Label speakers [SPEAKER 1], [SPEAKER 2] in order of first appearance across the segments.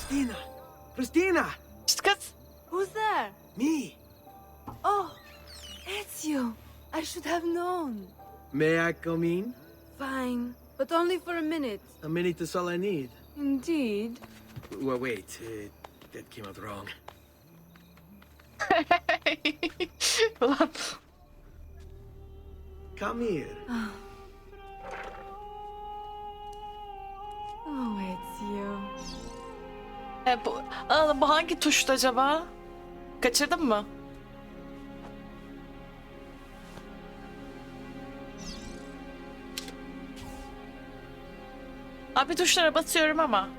[SPEAKER 1] Christina! Christina!
[SPEAKER 2] Şşt kız.
[SPEAKER 3] Who's there?
[SPEAKER 1] Me!
[SPEAKER 3] Oh, it's you. I should have known.
[SPEAKER 1] May I come in?
[SPEAKER 3] Fine, but only for a minute.
[SPEAKER 1] A minute is all I need.
[SPEAKER 3] Indeed.
[SPEAKER 1] Well, wait. That came out wrong.
[SPEAKER 2] Ulan.
[SPEAKER 1] Come here.
[SPEAKER 3] Oh, it's you.
[SPEAKER 2] Bu hangi tuştu acaba? Kaçırdın mı? Abi tuşlara basıyorum ama.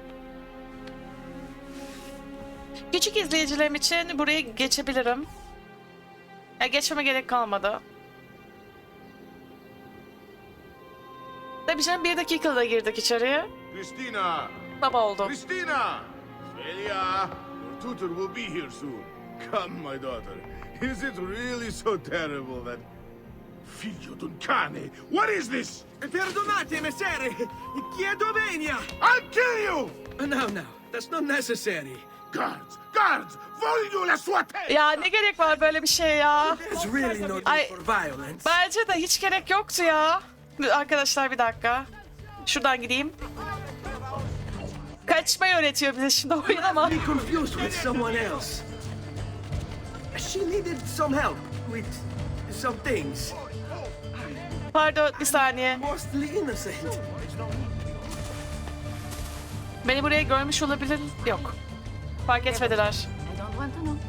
[SPEAKER 2] Küçük izleyicilerim için buraya geçebilirim. Ya geçmeme gerek kalmadı. Tabii canım 1 dakikada girdik içeriye.
[SPEAKER 4] Christina!
[SPEAKER 2] Baba oldu.
[SPEAKER 4] Christina! Svelia! Your tutor will be here soon. Come, my daughter. Is it really so terrible that... Figlio d'un cane! What is this?
[SPEAKER 1] Perdonate, messere! Chiedo venia!
[SPEAKER 4] I'll kill you!
[SPEAKER 1] No, that's not necessary.
[SPEAKER 4] Guards! Guards! Voglio la sua testa!
[SPEAKER 2] Ya ne gerek var böyle bir şey ya?
[SPEAKER 1] There's really no
[SPEAKER 2] I-
[SPEAKER 1] need for violence.
[SPEAKER 2] Bence de hiç gerek yoktu ya. Arkadaşlar bir dakika. Şuradan gideyim. Kaçmayı öğretiyor bize şimdi oyun ama.
[SPEAKER 1] Be confused with someone else. She needed some help with some things.
[SPEAKER 2] Pardon bir saniye.
[SPEAKER 1] Mostly innocent.
[SPEAKER 2] Beni buraya görmüş olabilir. Yok. Fark etmediler.
[SPEAKER 3] I don't want to know.